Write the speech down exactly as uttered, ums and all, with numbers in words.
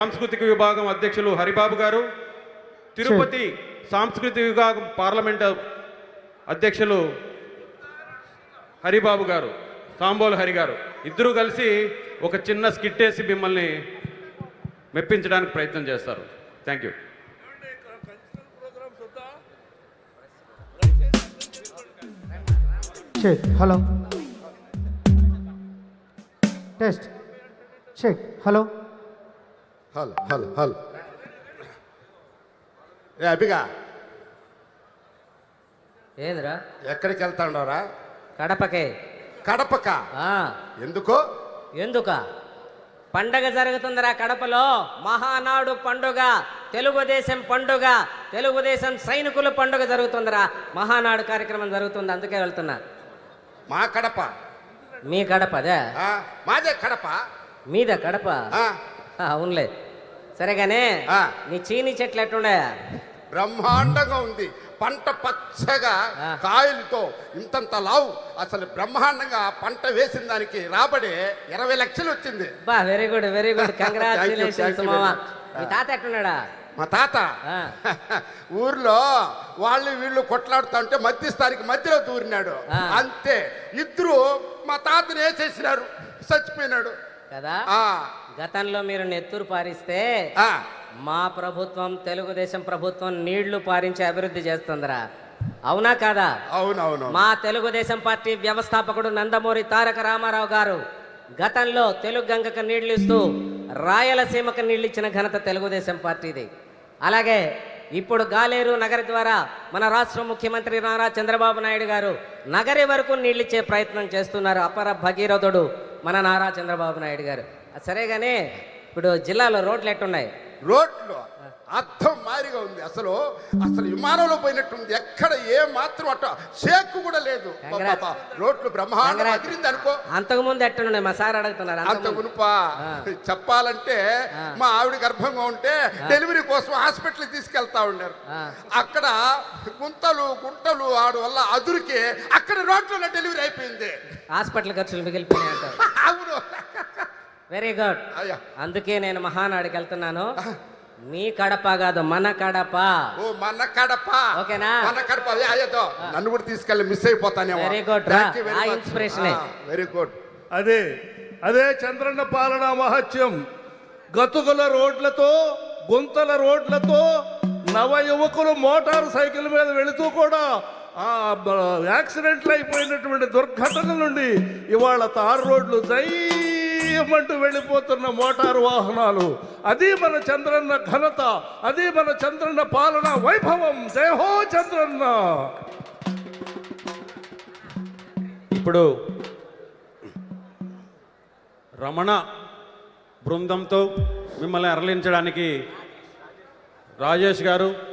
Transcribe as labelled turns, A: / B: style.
A: సాంస్కృతిక విభాగం అధ్యక్షులు హరిబాబు గారు, తిరుపతి సాంస్కృతిక విభాగం పార్లమెంట్ అధ్యక్షులు హరిబాబు గారు, సాంబోలు హరి గారు ఇద్దరూ కలిసి ఒక చిన్న స్కిట్ వేసి మిమ్మల్ని మెప్పించడానికి ప్రయత్నం చేస్తారు. Thank you.
B: Check hello test check hello
C: హల్ హల్ హల్ ఏ అభిగా
D: ఏందిరా?
C: ఎక్కడికి వెళ్తాండవరా?
D: కడపకే.
C: కడపక? ఎందుకు?
D: ఎందుక పండగ జరుగుతుందిరా కడపలో. మహానాడు పండుగ, తెలుగుదేశం పండుగ, తెలుగుదేశం సైనికుల పండుగ జరుగుతుందిరా. మహానాడు కార్యక్రమం జరుగుతుంది, అందుకే వెళ్తున్నా.
C: మా కడప?
D: మీ కడప అదే?
C: మాదే కడప.
D: మీద కడప? అవునులే. సరేగానే నీ చీనీ చెట్లు ఎట్టుండే?
C: బ్రహ్మాండంగా ఉంది. పంట పచ్చగా కాయలతో ఇంతంత లావు. అసలు బ్రహ్మాండంగా పంట వేసిన దానికి రాబడి ఇరవై లక్షలు వచ్చింది.
D: బా very good very good congratulations మామా. మీ తాత ఎట్టున్నాడా?
C: మా తాత ఊర్లో వాళ్ళు వీళ్ళు కొట్లాడుతా ఉంటే మధ్యస్థానికి మధ్యలో దూరినాడు. అంతే, ఇద్దరు మా తాతని వేసేసినారు, చచ్చిపోయినాడు
D: కదా. గతంలో మీరు నెత్తురు పారిస్తే మా ప్రభుత్వం, తెలుగుదేశం ప్రభుత్వం నీళ్లు పారించి అభివృద్ధి చేస్తుందిరా. అవునా కాదా?
C: అవునవును.
D: మా తెలుగుదేశం పార్టీ వ్యవస్థాపకుడు నందమూరి తారక రామారావు గారు గతంలో తెలుగు గంగకు నీళ్లు ఇస్తూ రాయలసీమకు నీళ్లు ఇచ్చిన ఘనత తెలుగుదేశం పార్టీది. అలాగే ఇప్పుడు గాలేరు నగరి ద్వారా మన రాష్ట్ర ముఖ్యమంత్రి నారా చంద్రబాబు నాయుడు గారు నగరి వరకు నీళ్ళిచ్చే ప్రయత్నం చేస్తున్నారు. అపర భగీరథుడు మన నారా చంద్రబాబు నాయుడు గారు. సరేగానే ఇప్పుడు జిల్లాలో రోడ్లు ఎట్టున్నాయి?
C: రోడ్లు అర్థం మారిగా ఉంది. అసలు అసలు విమానంలో పోయినట్టుంది. ఎక్కడ ఏ మాత్రం అట్ట షేక్ కూడా లేదు. రోడ్లు బ్రహ్మాండంగా అదిరింది అనుకో.
D: అంతకు ముందు ఎట్టున్నాయి మా సార్ అడుగుతున్నారు.
C: అంత మునుపా చెప్పాలంటే మా ఆవిడ గర్భంగా ఉంటే డెలివరీ కోసం హాస్పిటల్ తీసుకెళ్తా ఉన్నారు. అక్కడ గుంతలు గుంటలు ఆడు వల్ల అదురికి అక్కడ రోడ్లో డెలివరీ అయిపోయింది.
D: హాస్పిటల్ ఖర్చులు మిగిలిపోయినాయి అంటారు.
C: అవును.
D: Very good. అందుకే నేను మహానాడుకి వెళ్తున్నాను. మీ కడప కాదు, మన కడప.
C: ఓ మన కడప.
D: ఓకేనా?
C: మన కడప. అయ్యో నన్ను కూడా తీసుకెళ్ళి మిస్ అయిపోతానే.
D: Very good. ఆ ఇన్స్పిరేషన్
C: వెరీ గుడ్.
E: అదే అదే చంద్రన్న పాలన మహత్యం. గతుకుల రోడ్లతో, గుంతల రోడ్లతో నవ యువకులు మోటార్ సైకిల్ మీద వెళుతూ కూడా ఆ యాక్సిడెంట్లు అయిపోయినటువంటి దుర్ఘటనల నుండి ఇవాళ తారు రోడ్లు జైమంటూ వెళ్ళిపోతున్న మోటారు వాహనాలు. అది మన చంద్రన్న ఘనత, అది మన చంద్రన్న పాలన వైభవం. జై హో చంద్రన్న.
A: ఇప్పుడు రమణ బృందంతో మిమ్మల్ని అరలించడానికి రాజేష్ గారు,